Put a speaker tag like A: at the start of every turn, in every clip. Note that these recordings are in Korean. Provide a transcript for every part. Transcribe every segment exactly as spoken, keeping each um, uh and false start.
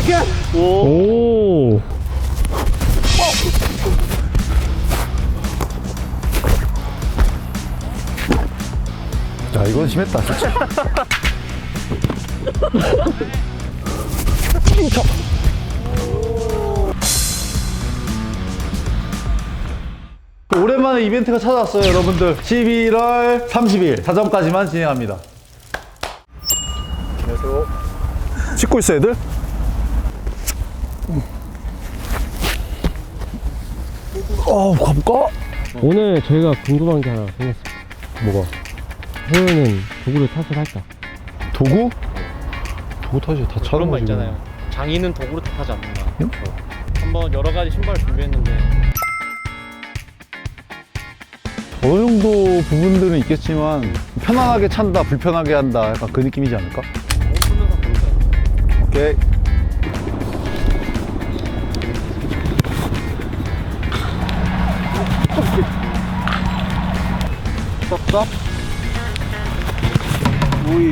A: 오. 오.
B: 야, 이건 심했다, 진짜. 오랜만에 이벤트가 찾아왔어요, 여러분들. 십일월 삼십일 사점까지만 진행합니다. 안녕하세요. 씻고 있어, 애들? 어, 가볼까?
A: 오늘 저희가 궁금한 게 하나 생겼습니다. 뭐가? 호연은 도구를 탓을 할까?
B: 도구? 도구 탓이 다 차는
C: 그런 거
B: 거지.
C: 있잖아요. 장인은 도구를 탓하지 않는다.
B: 응?
C: 한번 여러 가지 신발을 준비했는데
B: 어느 정도 부분들은 있겠지만 편안하게 찬다, 불편하게 한다, 약간 그 느낌이지 않을까? 오케이. 스톱, 스톱. 오이.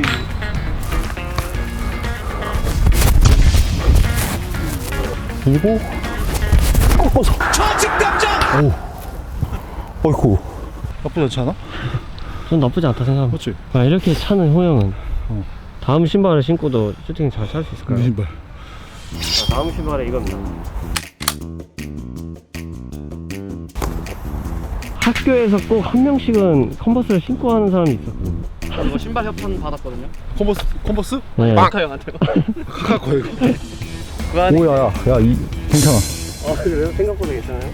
B: 그리고 꺾어서. 좌측감정. 오. 어이쿠. 나쁘지 않지 않아?
A: 전 나쁘지 않다 생각합니다.
B: 그렇지.
A: 아, 이렇게 차는 호영은
B: 어.
A: 다음 신발을 신고도 슈팅 잘 찰 수 있을까요?
B: 신발.
A: 자, 다음 신발에 이겁니다. 학교에서 꼭 한 명씩은 컨버스를 신고 하는 사람이 있었거든요.
C: 저 이거 신발 협찬 받았거든요.
B: 컨버스? 컨버스?
A: 네.
C: 카카 형한테요.
B: 카카 거의.
C: 그 안에
B: 오야, 야, 야, 이 괜찮아.
A: 아, 그래요? 생각보다 괜찮아요?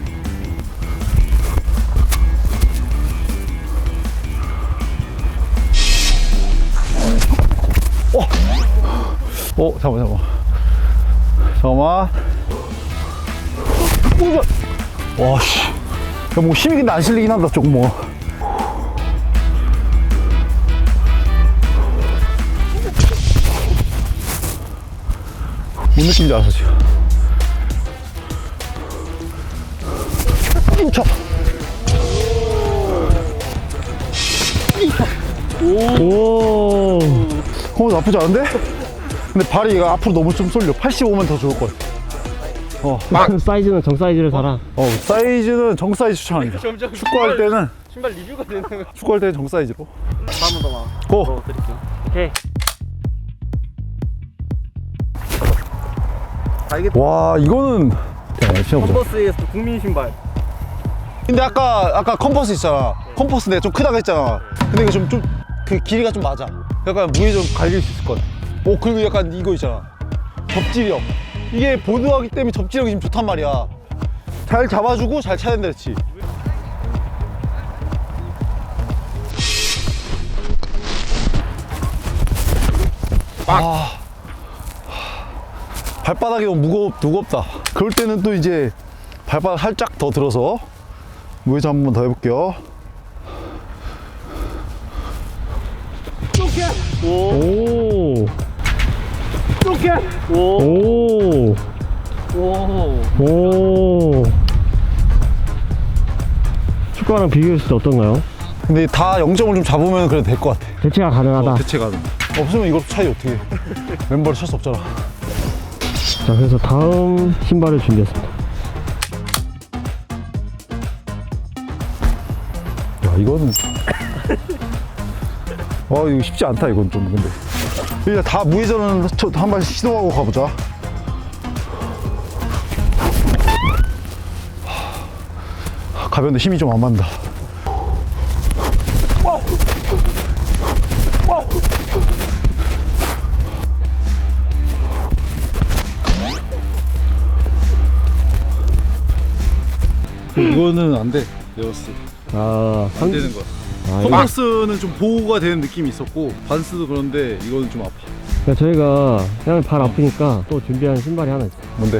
B: 어, 잠깐만, 잠깐만. 잠깐만. 오야. 와, 씨. 야, 뭐 힘이 근데 안 실리긴 한다, 조금 뭐. 뭔 느낌인지 알았어, 지금. 인차.
A: 오.
B: 어, 나쁘지 않은데? 근데 발이 이거 앞으로 너무 좀 쏠려. 팔십오면 더 좋을 것 같아. 어,
A: 사이즈는 정 사이즈를 사라.
B: 어, 사이즈는 정 사이즈 추천합니다.
C: 점점
B: 축구할 때는,
C: 신발 리뷰가 되는 거.
B: 축구할 때는 정 사이즈로.
C: 다음은 더 나아.
B: 고!
C: 드릴게요.
A: 오케이.
C: 알겠다.
B: 와, 이거는. 야, 신어보자.
C: 컨버스에서 국민 신발.
B: 근데 아까 아까 컴퍼스 있잖아. 컴퍼스 내가 좀 크다고 했잖아. 근데 이거 좀 좀 그 길이가 좀 맞아. 약간 무게 좀 갈릴 수 있을 것 같아. 오, 그리고 약간 이거 있잖아. 접지력. 이게 보드하기 때문에 접지력이 지금 좋단 말이야. 잘 잡아주고 잘 차야 된다 그랬지. 아, 발바닥이 너무 무겁, 무겁다. 그럴 때는 또 이제 발바닥 살짝 더 들어서 무회전 한 번 더 해볼게요.
A: 오.
C: 이렇게. 오.
A: 오.
C: 오.
A: 오. 축구랑 비교했을 때 어떤가요?
B: 근데 다 영 점을 좀 잡으면 그래도 될 것 같아.
A: 대체가 가능하다.
B: 어, 대체 가능. 없으면 이것도 차이 어떻게 해. 멤버를 찰 수 없잖아.
A: 자, 그래서 다음 신발을 준비했습니다.
B: 야, 이거는. 와, 이거 쉽지 않다, 이건 좀. 근데. 일단 다 무회전은 한 번 시도하고 가보자. 하, 가벼운데 힘이 좀 안 맞는다. 이거는 안 돼, 레어스.
A: 아,
B: 안 되는 거야.
A: 아, 이거-
B: 컨버스는 좀 보호가 되는 느낌이 있었고, 반스도 그런데 이거는 좀 아파.
A: 그러니까 저희가 그냥 발 아프니까 또 준비한 신발이 하나 있어요.
B: 뭔데?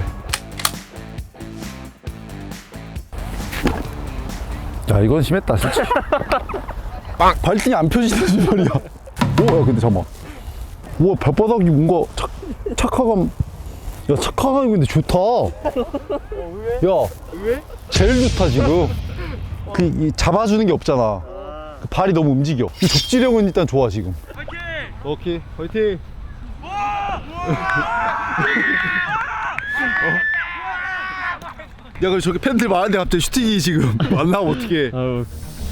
B: 야, 이건 심했다, 진짜. 빵! 발등이 안 펴지는 신발이야. 오, 야, 근데 잠깐만. 우와, 발바닥이 뭔가 착, 착화감. 야, 착화감이 근데 좋다. 야,
C: 왜?
B: 제일 좋다, 지금. 그, 이 잡아주는 게 없잖아. 그 발이 너무 움직여. 이 접지력은 일단 좋아, 지금.
C: 파이팅!
B: 오케이, 화이팅! 야 그럼 저기 팬들 많은데 갑자기 슈팅이 지금 만나면 어떡해.
A: 아유.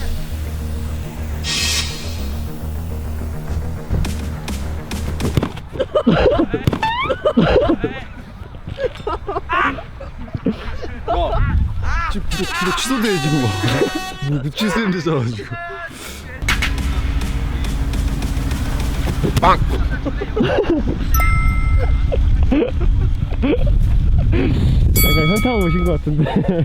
B: 지금 구독, 구독 취소돼 지금 뭐 취소된대잖아 지금. 빵!
A: 약간 현타가 오신 것 같은데.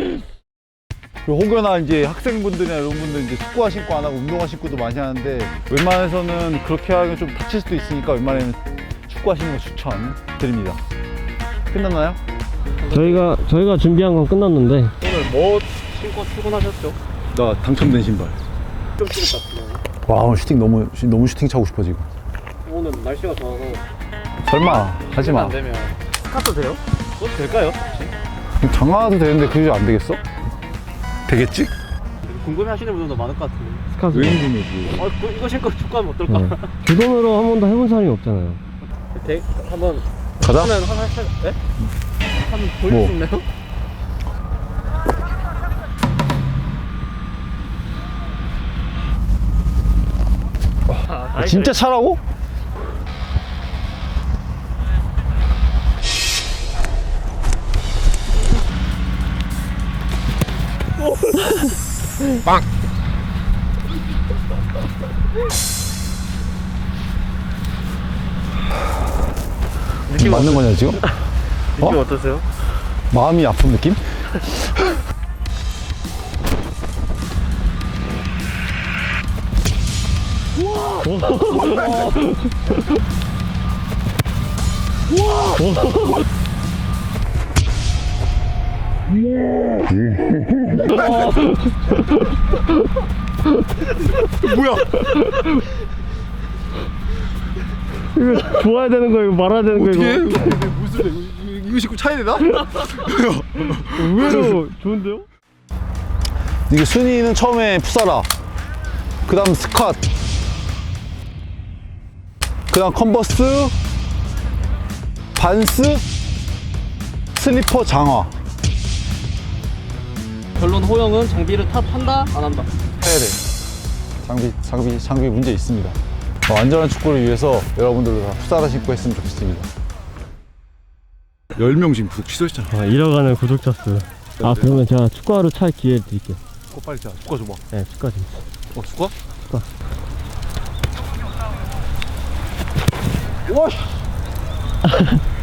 B: 혹여나 이제 학생분들이나 이런 분들 이제 축구화 신고 안 하고 운동화 신고도 많이 하는데 웬만해서는 그렇게 하면 좀 다칠 수도 있으니까 웬만하면 축구화 신는 거 추천드립니다. 끝났나요?
A: 저희가 저희가 준비한 건 끝났는데
C: 오늘 뭐 신고 출근하셨죠?
B: 나 당첨된 신발.
C: 좀 찍었다.
B: 와 오늘 슈팅 너무 너무 슈팅 차고 싶어 지금.
C: 오늘 날씨가 좋아서
B: 설마 하지 마.
C: 안 되면 스카트 돼요? 그것도 될까요?
B: 장화도 되는데 그게 안 되겠어? 되겠지?
C: 궁금해하시는 분들도 많을 것 같은데.
A: 스카스.
B: 왠지
C: 어, 그, 이거 신고 축구하면 어떨까?
A: 네. 두 돈으로 한 번도 해본 사람이 없잖아요.
C: 대, 한번
B: 가자.
C: 하면 한, 한, 한, 네? 한번 보일
B: 뭐?
C: 수 있나요? 아,
B: 진짜 차라고? 빵!
C: 느낌
B: 맞는 거냐 지금?
C: 느낌
B: 어?
C: 어떠세요?
B: 마음이 아픈 느낌? 뭐야?
A: 이거 좋아야 되는 거야, 이거 말아야 되는 거야,
B: 어떻게?
A: 이거.
B: 무슨 이거, 이거 신고 차야 되나?
A: 의외로 좋은데요?
B: 이게 순위는 처음에 푸사라, 그 다음 스캇, 그 다음 컨버스, 반스, 슬리퍼, 장화.
C: 결론 호영은 장비를 탓한다? 안 한다?
B: 해야 돼. 장비, 장비, 장비 문제 있습니다. 어, 안전한 축구를 위해서 여러분들도 다 푸사라 신고 했으면 좋겠습니다. 열 명 지금 구독 취소했잖아.
A: 아, 잃어가는 구독자 수. 아, 그러면 제가 축구하러 찰 기회 드릴게요.
B: 어, 빨리 자, 축구 줘봐.
A: 네, 축구하 좀.
B: 어, 축구?
A: 축구.
B: 와, 씨.